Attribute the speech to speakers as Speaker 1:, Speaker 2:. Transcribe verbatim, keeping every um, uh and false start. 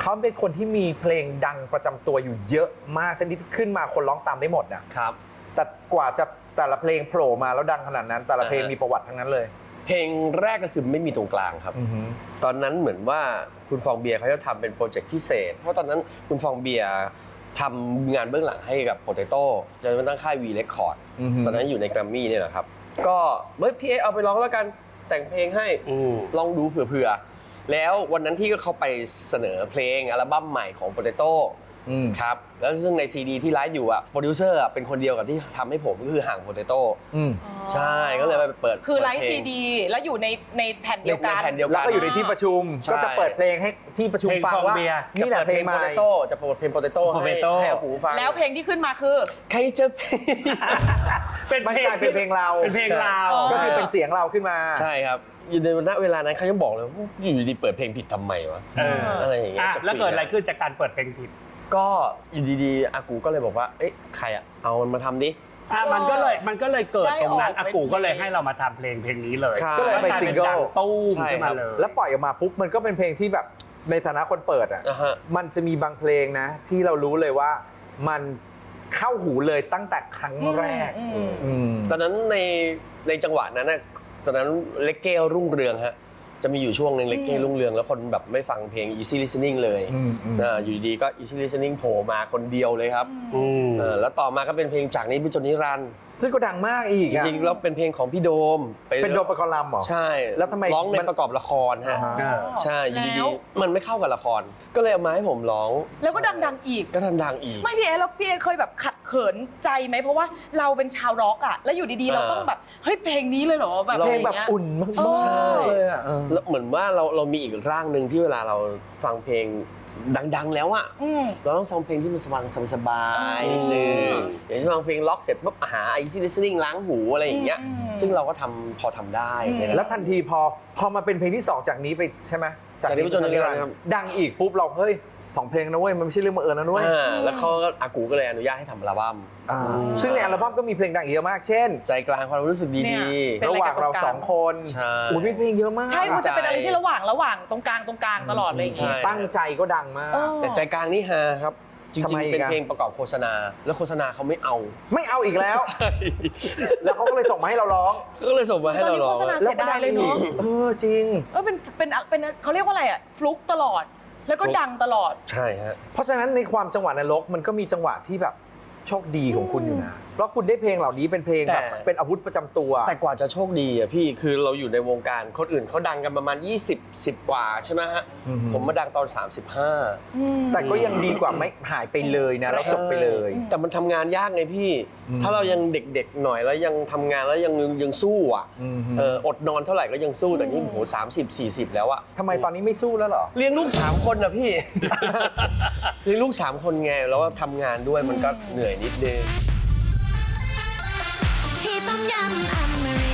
Speaker 1: เขาเป็นคนที่มีเพลงดังประจำตัวอยู่เยอะมากชนิดที่ขึ้นมาคนร้องตามได้หมดนะครับแต่กว่าจะแต่ละเพลงโผล่มาแล้วดังขนาดนั้น แต่ละเพลงมีประวัติทั้งนั้นเลย
Speaker 2: เพลงแรกก็คือไม่มีตรงกลางครับตอนนั้นเหมือนว่าคุณฟองเบียร์เขาจะทำเป็นโปรเจกต์พิเศษเพราะตอนนั้นคุณฟองเบียร์ทำงานเบื้องหลังให้กับโปเตโต้จนมันตั้งค่ายวีเรคคอร์ดตอนนั้นอยู่ในแกรมมี่เนี่ยแหละครับก็เฮ้ยพี่เอเอาไปร้องแล้วกันแต่งเพลงให้ลองดูเผื่อๆแล้ววันนั้นที่เขาไปเสนอเพลงอัลบั้มใหม่ของโปเตโต้ครับแล้วซึ่งในซีดีที่ไลฟ์อยู่อ่ะโปรดิวเซอร์เป็นคนเดียวกับที่ทำให้ผมก็คือห่างโปเตโต้ใช่ก็เลยไปเปิด
Speaker 3: คือไลฟ์ซีดีแล้วอยู่ในในแผ่นเดียวกัน
Speaker 1: แล้วก็อยู่ในที่ประชุมก็จะเปิดเพลงให้ที่ประชุมฟังว่านี่แหละเพลงใหม่
Speaker 2: จะเปิดเพลงโปเตโต้ให้ให้อากูฟัง
Speaker 3: แล้วเพลงที่ขึ้นมาคือ
Speaker 2: ใครจะเพลง
Speaker 1: เป็นเพลงเป็นเพลงเรา
Speaker 4: เป็นเพลงเรา
Speaker 1: ก็คือเป็นเสียงเราขึ้นมา
Speaker 2: ใช่ครับอยู่ในณเวลานั้นเขายังบอกเลยอยู่ดีเปิดเพลงผิดทำไมวะอะไรอย่างเงี้ย
Speaker 4: แล้วเกิดอะไรขึ้นจากการเปิดเพลงผิด
Speaker 2: ก็อยู่ดีๆอากูก็เลยบอกว่าเอ๊ะใครอะเอามันมาทำดิ
Speaker 4: อ่ะมันก็เลยมันก็เลยเกิดตรงนั้นอากูก็เลยให้เรามาทำเพลงเพลงนี้เลย
Speaker 1: ก็เลยไปซิงเกิล
Speaker 4: ตู้มขึ้นมาเลย
Speaker 1: แล้วปล่อยออกมาปุ๊บมันก็เป็นเพลงที่แบบในฐานะคนเปิดอ่ะมันจะมีบางเพลงนะที่เรารู้เลยว่ามันเข้าหูเลยตั้งแต่ครั้งแรก
Speaker 2: ตอนนั้นในในจังหวะนั้นนะตอนนั้นเลกเก้รุ่งเรืองฮะจะมีอยู่ช่วงหนึ่งเลกเก้รุ่งเรืองแล้วคนแบบไม่ฟังเพลง Easy Listening เลยอยู่ดีก็ Easy Listening โผล่มาคนเดียวเลยครับแล้วต่อมาก็เป็นเพลงจากนี้ไปจนนิรันดร์
Speaker 1: ซึ่งก็ดังมากอีก
Speaker 2: จริงๆแล้วเป็นเพลงของพี่โดม
Speaker 1: เป็นโดมประกอบลำเหรอ
Speaker 2: ใช่
Speaker 1: แล้วทำไม
Speaker 2: ร้องในประกอบละครฮะใช่อยู่ดีๆมันไม่เข้ากับละครก็เลยเอามาให้ผมร้อง
Speaker 3: แล้วก็ดังๆอีก
Speaker 2: ก็ดังๆอีก
Speaker 3: ไม่พี่เอแล้วพี่เอเคยแบบขัดเขินใจไหมเพราะว่าเราเป็นชาวร็อกอ่ะแล้วอยู่ดีๆเราต้องแบบเฮ้ยเพลงนี้เลยเหรอแบบ
Speaker 1: เพลงแบบอุ่นมากๆเลยอ่ะ
Speaker 2: แล้วเหมือนว่าเราเรามีอีกร่างหนึ่งที่เวลาเราฟังเพลงดังๆแล้วอะเราต้องฟังเพลงที่มันสบายสบายๆนิดนึงอย่างเช่นฟังเพลงล็อกเสร็จปุ๊บหา Easy Listening ล้างหูอะไรอย่างเงี้ยซึ่งเราก็ทำพอทำได้
Speaker 1: แล้วทันทีพอพอมาเป็นเพลงที่สองจากนี้ไปใช่ไหม
Speaker 2: จากนี้ไปจนนิรันดร์
Speaker 1: ดังอีกปุ๊บเราเฮ้ยสองเพลงนะเว้ยมันไม่ใช่เรื่องบังเอิญนะเว้ย
Speaker 2: แล้วเขาก็อากูก็เลยอนุญาตให้ทำอัลบั้ม
Speaker 1: ซึ่งในอัลบั้มก็มีเพลงดังเยอะมากเช่น
Speaker 2: ใจกลางความรู้สึกดี
Speaker 1: ๆระหว่างเราสองคนอุ้ยมีเพลงเยอะมาก
Speaker 3: ใช่มันจะเป็นอะไรที่ระหว่างระหว่างตรงกลางตรงกลางตลอดเลย
Speaker 1: ตั้งใจก็ดังมาก
Speaker 2: แต่ใจกลางนี่ฮะครับจริงๆเป็นเพลงประกอบโฆษณาแล้วโฆษณาเขาไม่เอา
Speaker 1: ไม่เอาอีกแล้วแล้วเขาก็เลยส่งมาให้เราร้อง
Speaker 2: ก็เลยส่งมาให้เราร้อง
Speaker 3: โฆษณาเสียดายเลยเนาะ
Speaker 1: เออจริง
Speaker 3: เออเป็นเป็นเป็นเขาเรียกว่าอะไรอ่ะฟลุกตลอดแล้วก็ดังตลอด
Speaker 2: ใช่ฮะ
Speaker 1: เพราะฉะนั้นในความจังหวะนรกมันก็มีจังหวะที่แบบโชคดีของคุณอยู่นะเพราะคุณได้เพลงเหล่านี้เป็นเพลงแบบเป็นอาวุธประจำตัว
Speaker 2: แต่กว่าจะโชคดีอ่ะพี่คือเราอยู่ในวงการคนอื่นเขาดังกันประมาณยี่สิบ สิบกว่าใช่ไหมฮะผมมาดังตอนสามสิบห้า
Speaker 1: แต่ก็ยังดีกว่าไม่หายไปเลยนะแล้วจบไปเลย
Speaker 2: แต่มันทำงานยากไงพี่ถ้าเรายังเด็กๆหน่อยแล้วยังทำงานแล้วยังยังสู้อ่ะเอออดนอนเท่าไหร่ก็ยังสู้แต่นี่โหสามสิบ สี่สิบแล้วอ่ะ
Speaker 1: ทำไมตอนนี้ไม่สู้แล้วหรอ
Speaker 2: เลี้ยงลูกสามคนนะพี่เลี้ยงลูกสามคนไงแล้วก็ทำงานด้วยมันก็เหนื่อยนิดนึง
Speaker 5: ที่ต้มยำอเมริ